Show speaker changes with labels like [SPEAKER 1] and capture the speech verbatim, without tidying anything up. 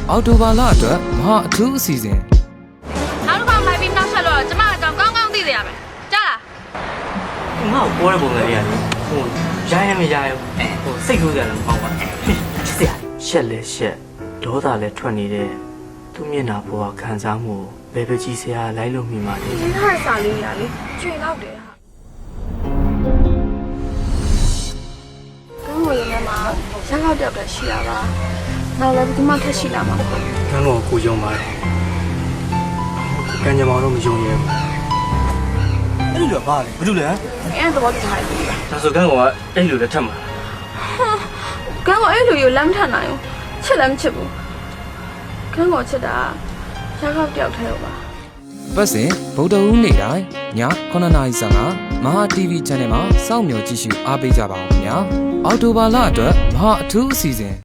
[SPEAKER 1] အော်တိုဘာလအတွက်မဟာအထူးအစီအစဉ်
[SPEAKER 2] နောက်တစ်ခါမိုက်ပြီးနောက်ဆက်လို့ကျမအကြောင်းကောင်းကောင်းသိစေရမယ်ကြားလား
[SPEAKER 3] ငါ့ကိုပေါ်တဲ့ပုံစံလေးရတယ်ဟိုရိုင်းလည်းမရိုင်းဘူးဟိုစိတ်ဆိုးကြတယ်မဟုတ်ပါဘူးဆရာရှက်လဲရှက်ဒေါသလည်းထွက်နေတဲ့သူ့မျက်နှာပေါ်ကခံစားမှုဘယ်ပဲကြည့်ဆရာလိုက်လို့မိမှာလေ
[SPEAKER 2] ဒီထားစာလေးရလေကျွေလောက်တယ်ဟာကောင်းဝင်နေမှာရက်ောက်တော့ရှိတာပါနောက်လည်းဒီမှာထက်ရှိလာမှာပေါ့
[SPEAKER 3] ကန်းတော်ကိုယုံပါတယ်ကံကြမ္မာတော့မယုံရဲဘူးအဲ့လိုပါလေဘာလို့လဲ
[SPEAKER 2] အဲ့တော့ဒီထားလေး
[SPEAKER 3] ဒါဆိုကန်းတော်ကအဲ့လိုလည်းထက်မှာ
[SPEAKER 2] ကန်းကအဲ့လိုရလမ်းထနိုင်ဘူးချစ်လည်းမချစ်ဘူးကန်းကချစ်တာရက်ောက်တယောက်ထဲပါ
[SPEAKER 1] ပတ်စဉ်ဗုဒ္ဓဟူးနေ့တိုင်းညခုနှစ်နာရီဆယ်ကမဟာ တီဗီ Channel မှာစောင့်မျှော်ကြည့်ရှုအားပေးကြပါဦးခင်ဗျာအော်တိုဘာလအတွက်မဟာအထူးအစီအစဉ်